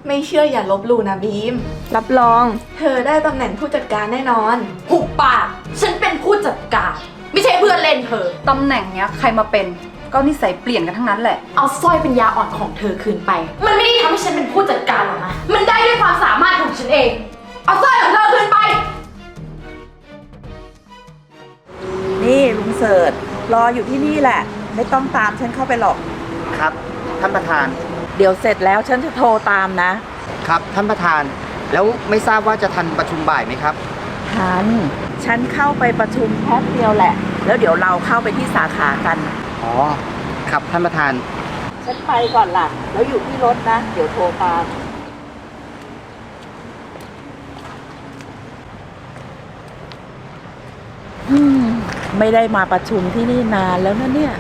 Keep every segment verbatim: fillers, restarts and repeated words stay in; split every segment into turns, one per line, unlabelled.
ไม่เชื่ออย่าลบหลู่นะบีม รับรอง เธอได้ตำแหน่งผู้จัดการแน่นอน
หุบปากฉันเป็นผู้จัดการไม่ใช่เพื่อนเล่นเธอตำแหน่งเนี้ยใครมาเป็นก็นิสัยเปลี่ยนกันทั้งนั้นแหละเอาสร้อยเป็นยาอ่อนของเธอคืนไปมันไม่ได้ทำให้ฉันเป็นผู้จัดการหรอกนะมันได้ด้วยความสามารถของฉันเองเอาสร้อยของเธอคืนไป
นี่ลุงเสิร์ชรออยู่ที่นี่แหละไม่ต้องตามฉันเข้าไปหรอก
ครับท่านประธาน
เดี๋ยวเสร็จแล้วฉันจะโทรตามนะ
ครับท่านประธานแล้วไม่ทราบว่าจะทันประชุมบ่ายไหมครับ
ทันฉันเข้าไปประชุมแป๊บเดียวแหละแล้วเดี๋ยวเราเข้าไปที่สาขากัน
อ๋อครับท่านประธาน
ฉันไปก่อนล่ะแล้วอยู่ที่รถนะเดี๋ยวโทรตามอืมไม่ได้มาประชุมที่นี่นานแล้วนะเนี่ย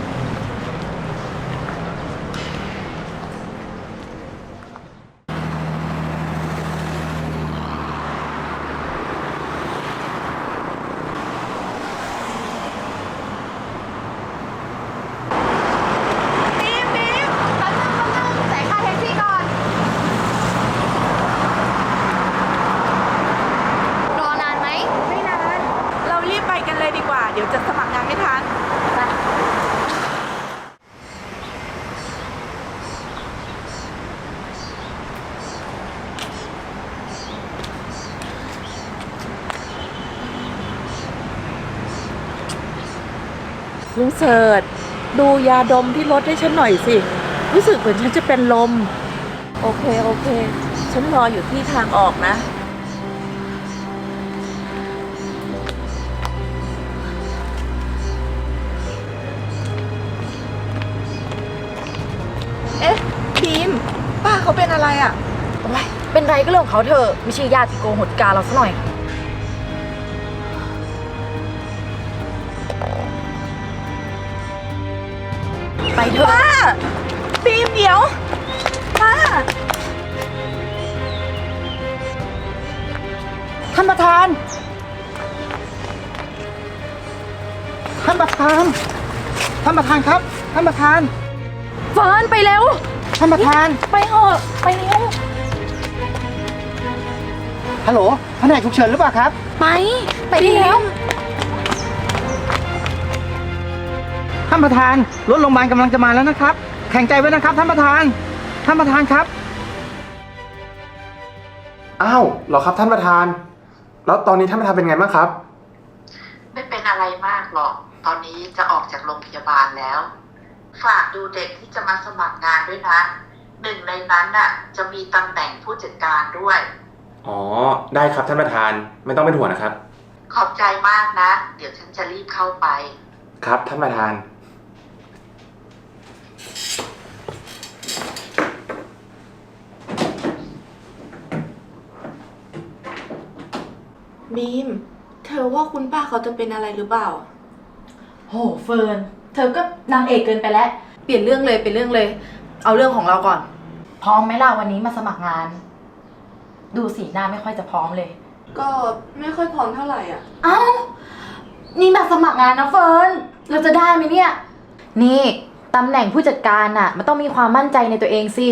เดี๋ยวจะสมัครงานไม่ทันลุงเสิร์ชดูยาดมที่รถให้ฉันหน่อยสิรู้สึกเหมือนฉันจะเป็นลมโอเคโอเคฉันรออยู่ที่ทางออกนะ
เอ๊ะบีมป้าเขาเป็นอะไรอ่ะ
โอ๊ยเป็นไรก็เรื่องของเขาเถอะไม่ใช่ญาติโกโหติกาเราซะหน่อยไปเถอะ
ป้าบีมเดี๋ยวป้า
ท่านประธานท่านประธานท่านประธานครับท่านประธาน
เฟิร์นไปเร็ว
ท่านประธาน
ไปเถอะไปเร็ว
ฮัลโหลแผนกฉุกเฉินหรือเปล่าครับ
ไปไปเร็ว
ท่านประธานรถโรงพยาบาลกำลังจะมาแล้วนะครับแข็งใจไว้นะครับท่านประธานท่านประธานครับ
อ้าวเหรอครับท่านประธานแล้วตอนนี้ท่านประธานเป็นไงบ้างครับ
ไม่เป็นอะไรมากหรอกตอนนี้จะออกจากโรงพยาบาลแล้วฝากดูเด็กที่จะมาสมัครงานด้วยนะหนึ่งในนั้นน่ะจะมีตำแหน่งผู้จัดการด้วย
อ๋อได้ครับท่านประธานไม่ต้องเป็นห่วงนะครับ
ขอบใจมากนะเดี๋ยวฉันจะรีบเข้าไป
ครับท่านประธาน
บีมเธอว่าคุณป้าเขาจะเป็นอะไรหรือเปล่า
โหเฟิร์นเธอก็นางเอกเกินไปแล้วเปลี่ยนเรื่องเลยเปลี่ยนเรื่องเลยเอาเรื่องของเราก่อนพร้อมไหมล่ะวันนี้มาสมัครงานดูสีหน้าไม่ค่อยจะพร้อมเลย
ก็ไม่ค่อยพร้อมเท่าไหร่อ่ะ
เอ้านี่มาสมัครงานนะเฟิร์นเราจะได้ไหมเนี่ยนี่ตำแหน่งผู้จัดการน่ะมันต้องมีความมั่นใจในตัวเองสิ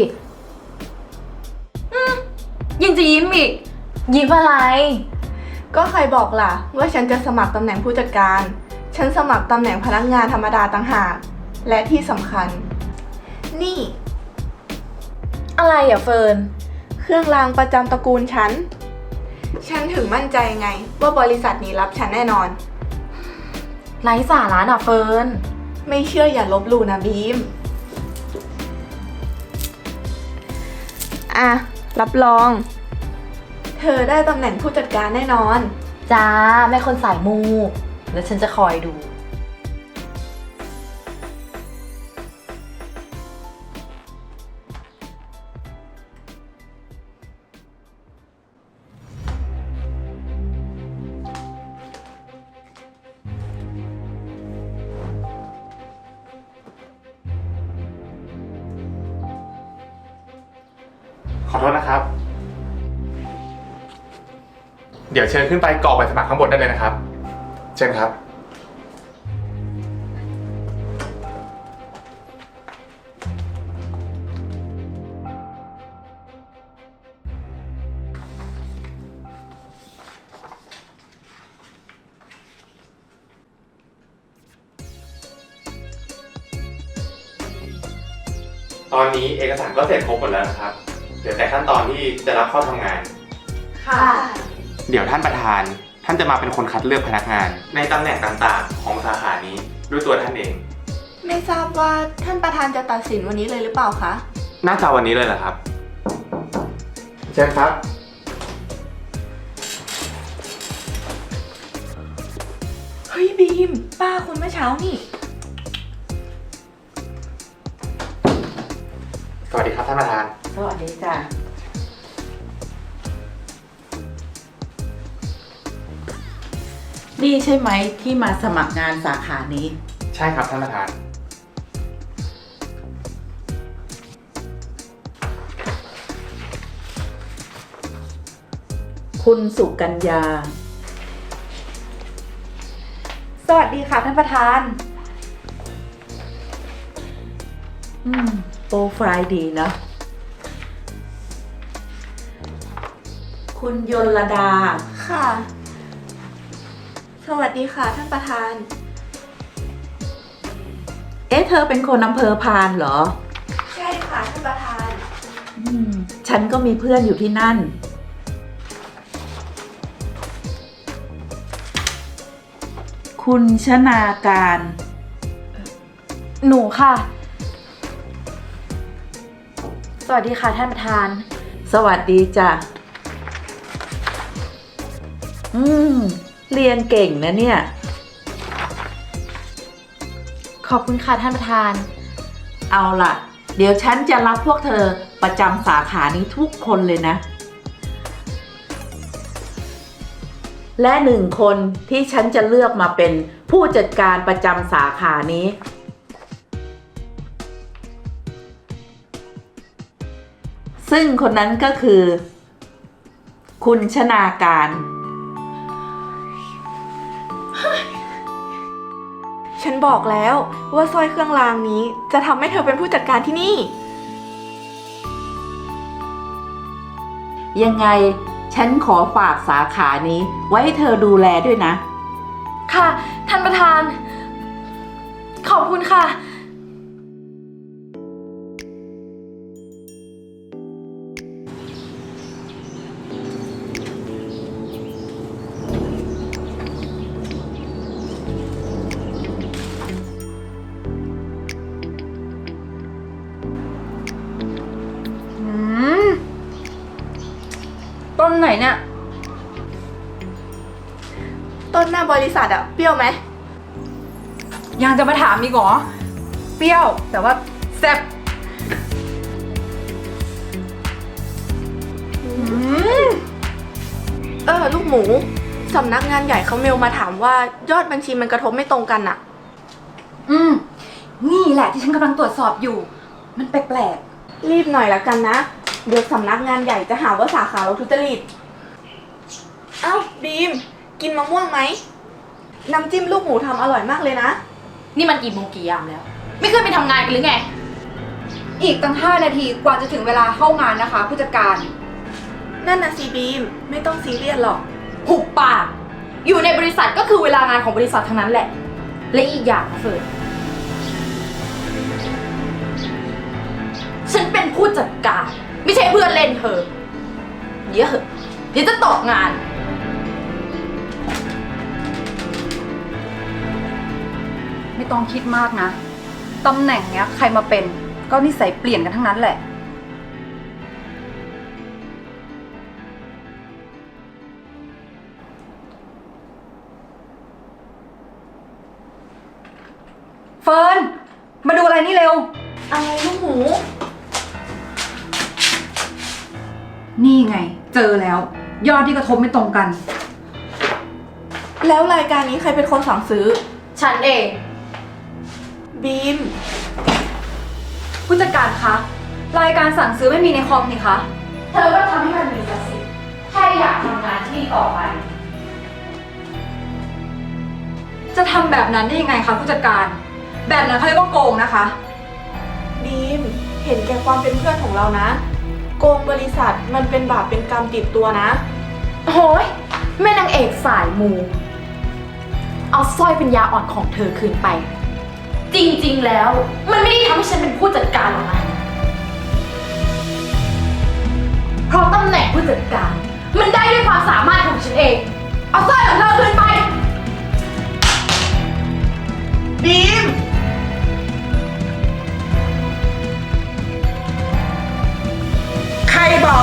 ยิงจะยิ้มอีกยิ้มอะไร
ก็ใครบอกล่ะว่าฉันจะสมัครตำแหน่งผู้จัดการฉันสมัครตำแหน่งพนักงานธรรมดาต่างหากและที่สำคัญนี่
อะไรอ่ะเฟิร์น
เครื่องรางประจำตระกูลฉันฉันถึงมั่นใจไงว่าบริษัทนี้รับฉันแน่นอน
ไร้สาระน่ะเฟิร์น
ไม่เชื่ออย่าลบหลู่นะบีมอ่ะรับรองเธอได้ตำแหน่งผู้จัดการแน่นอน
จ้าแม่คนสายมูแล้วฉันจะคอยดู
ขอโทษนะครับเดี๋ยวเชิญขึ้นไปกรอกใบสมัครข้างบนได้เลยนะครับเชิญครับ
บ
ตอนนี้เอกสารก็เสร็จครบหมดแล้วนะครับเหลือแต่ขั้นตอนที่จะรับเข้าทำงาน
ค่ะ
เดี๋ยวท่านประธานท่านจะมาเป็นคนคัดเลือกพนักงาน ในตำแหน่งต่างๆ ของสาขานี้ด้วยตัวท่านเอง
ไม่ทราบว่าท่านประธานจะตัดสินวันนี้เลยหรือเปล่าคะ
น่าจะวันนี้เลยเหรอครับเชิญครับ
เฮ้ยบีม ป้าคนเมื่อเช้านี่
สวัสดีครับท่านประธาน
สวัสดีจ้ะนี่ใช่ไหมที่มาสมัครงานสาขานี้
ใช่ครับท่านประธาน
คุณสุกัญญา
สวัสดีค่ะท่านประธาน
อืม โปรไฟล์ดีนะ คุณยลดา
ค่ะ สวัสดีค่ะท่านประธาน
เอ๊ะ เธอเป็นคนอำเภอพานเหรอ
ใช่ค่ะท่านประธาน
อืม ฉันก็มีเพื่อนอยู่ที่นั่น คุณชนาการ
หนูค่ะ สวัสดีค่ะท่านประธาน
สวัสดีจ้ะ อืม เรียนเก่งนะเนี่ย
ขอบคุณค่ะท่านประธาน
เอาล่ะ เดี๋ยวฉันจะรับพวกเธอประจำสาขานี้ทุกคนเลยนะ และหนึ่งคนที่ฉันจะเลือกมาเป็นผู้จัดการประจำสาขานี้ ซึ่งคนนั้นก็คือ คุณชนาการ
ฉันบอกแล้วว่าสร้อยเครื่องรางนี้จะทำให้เธอเป็นผู้จัดการที่นี่
ยังไงฉันขอฝากสาขานี้ไว้ให้เธอดูแลด้วยนะ
ค่ะท่านประธาน ขอบคุณค่ะ อืม ต้นไหนเนี่ย
ต้นหน้าบริษัทอะเปรี้ยวไหม
ยังจะมาถามอีกเหรอ เปรี้ยว แต่ว่าแซ่บอืม
เออ ลูกหมู สำนักงานใหญ่เขาเมลมาถามว่ายอดบัญชีมันกระทบไม่ตรงกันอะ
อืม นี่แหละที่ฉันกำลังตรวจสอบอยู่ มันแปลก
รีบหน่อยละกันนะ เดี๋ยวสำนักงานใหญ่จะหาว่าสาขาเราทุจริต เอ้าบีม กินมะม่วงไหม น้ำจิ้มลูกหมูทำอร่อยมากเลยนะ
ๆ นี่มันกี่โมงกี่ยามแล้ว ไม่ขึ้นไปทำงานกันหรือไง อีกตั้งห้านาทีกว่าจะถึงเวลาเข้างานนะคะผู้จัดการ
นั่นน่ะสิบีม ไม่ต้องซีเรียสหรอก
หุบปาก อยู่ในบริษัทก็คือเวลางานของบริษัททั้งนั้นแหละ และอีกอย่างนะเฟิร์นฉันเป็นผู้จัดการ ไม่ใช่เพื่อนเล่นเธอเดี๋ยวเหอะเดี๋ยวจะตกงาน ไม่ต้องคิดมากนะ ตำแหน่งเนี้ยใครมาเป็นก็นิสัยเปลี่ยนกันทั้งนั้นแหละ เฟิร์น มาดูอะไรนี่เร็ว
อะไรลูกหมู
นี่ไง เจอแล้ว ยอดที่กระทบไม่ตรงกัน
แล้วรายการนี้ใครเป็นคนสั่งซื้อ
ฉันเอง
บีม
ผู้จัดการคะ รายการสั่งซื้อไม่มีในคอมนี่คะ เธอก็ทำให้มันมีสักสิแค่อยากทำงานที่นี่ต่อไป จะทำแบบนั้นได้ยังไงคะผู้จัดการ แบบนั้นเขาเรียกว่าโกงนะคะ
บีม เห็นแก่ความเป็นเพื่อนของเรานะ โกงบริษัทมันเป็นบาปเป็นกรรมติดตัวนะ
โอ้ยแม่นางเอกสายมู เอาสร้อยเป็นยาอ่อนของเธอคืนไป จริงๆแล้ว มันไม่ได้ทำให้ฉันเป็นผู้จัดการหรอกนะผู้จัดการ มันได้ด้วยความสามารถของฉันเอง เอาสร้อยของเธอคืนไป
บีม ใครบอก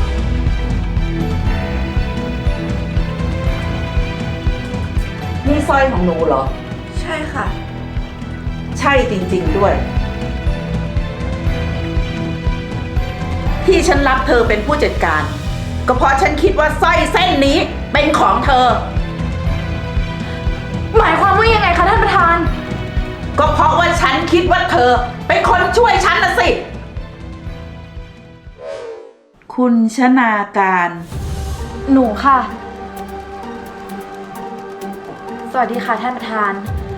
นี่สร้อยของหนูเหรอ
ใช่ค่ะ
ใช่จริงๆด้วย ที่ฉันรับเธอเป็นผู้จัดการ ก็เพราะฉันคิดว่าสร้อยเส้นนี้เป็นของเธอ
หมายความว่ายังไงคะท่านประธาน
ก็เพราะว่าฉันคิดว่าเธอเป็นคนช่วยฉันนะสิ คุณชนาการ
หนูค่ะ สวัสดีค่ะท่านประธาน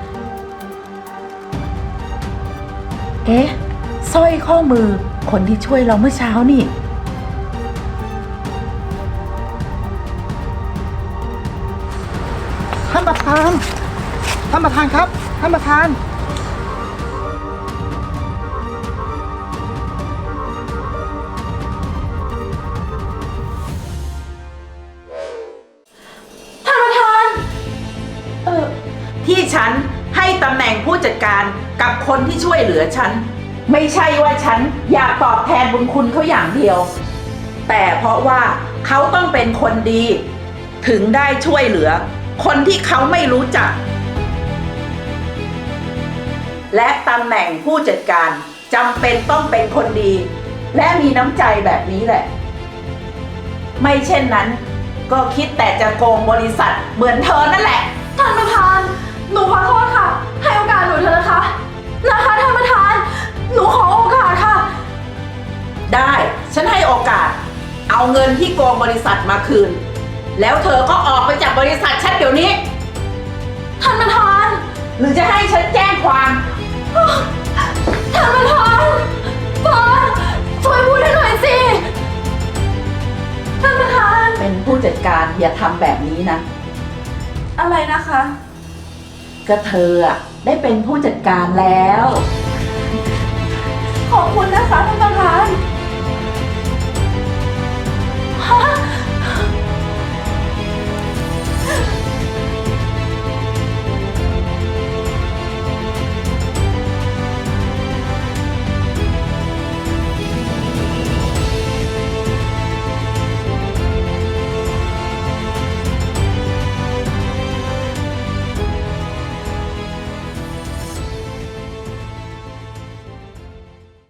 เอ๊ะสร้อยข้อมือคนที่ช่วยเราเมื่อเช้านี่
ท่านประธาน ท่านประธานครับ ท่านประธาน
ท่านประธาน เออ
ที่ฉันให้ตำแหน่งผู้จัดการกับคนที่ช่วยเหลือฉัน ไม่ใช่ว่าฉันอยากตอบแทนบุญคุณเขาอย่างเดียว แต่เพราะว่าเขาต้องเป็นคนดี ถึงได้ช่วยเหลือ คนที่เขาไม่รู้จัก และตำแหน่งผู้จัดการจำเป็นต้องเป็นคนดี และมีน้ำใจแบบนี้แหละ ไม่เช่นนั้น ก็คิดแต่จะโกงบริษัทเหมือนเธอนั่นแหละ
ท่านประธาน หนูขอโทษค่ะ ให้โอกาสหนูเถอะนะคะ นะคะท่านประธาน หนูขอโอกาสค่ะ
ได้ ฉันให้โอกาส เอาเงินที่โกงบริษัทมาคืน แล้วเธอก็ออกไปจากบริษัทฉันเดี๋ยวนี้
ท่านประธาน
หรือจะให้ฉันแจ้งความ
ท่านประธานเฟิร์นช่วยพูดให้หน่อยสิ ท่านประธาน
เป็นผู้จัดการอย่าทำแบบนี้นะ
อะไรนะคะ
ก็เธออะได้เป็นผู้จัดการแล้ว
ขอบคุณนะคะท่านประธาน